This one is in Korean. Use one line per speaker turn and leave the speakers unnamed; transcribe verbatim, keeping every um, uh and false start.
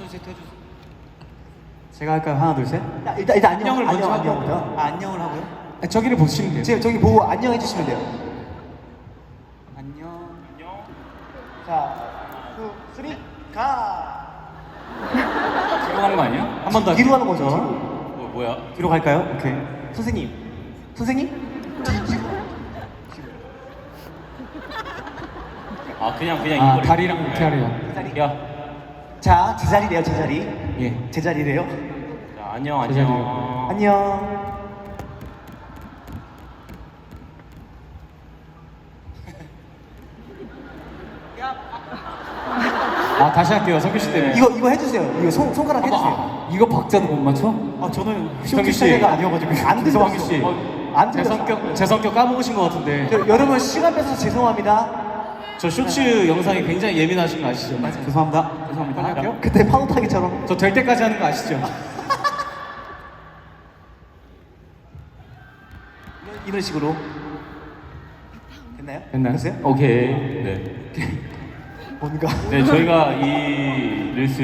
둘 셋 해주세요.
제가 할까요? 하나 둘 셋.
야, 일단 일단 안녕,
안녕을 먼저
안녕,
하고요.
안녕부터.
아, 안녕을 하고요.
아, 저기를 보시면 돼요.
지금 저기 보고 안녕해 주시면 돼요.
안녕. 안녕.
자, 투, 쓰리, 가.
뒤로 가는 거 아니야?
한 번 더.
뒤로 가는 거죠.
뭐 뭐야?
뒤로 갈까요? 오케이.
선생님, 선생님. 뒤, 뒤로.
아 그냥 그냥
아,
이거를-
다리랑 이렇게 하래요.
제자리.
야,
자, 제자리래요, 제자리.
예.
제자리래요.
자 안녕
제자리요.
안녕.
안녕.
아, 다시 할게요. 성규 씨 때문에.
이거 이거 해주세요. 이거 손 손가락 해주세요.
아, 이거 박자도 못 맞춰?
아, 저는
성규 씨.
쇼트가 아니어가지고 안 들렸어.
성규 씨.
안
제
들렸어.
성격 제 성격 까먹으신 것 같은데.
저, 여러분 시간 뺏어서 죄송합니다.
저 쇼츠 영상이 굉장히 예민하신 거 아시죠?
죄송합니다.
죄송합니다. 빨리 할게요.
그때 파도 타기처럼.
저 될 때까지 하는 거 아시죠?
이런 식으로. 됐나요?
됐나요?
됐어요?
오케이. 네.
뭔가.
네 저희가 이 릴스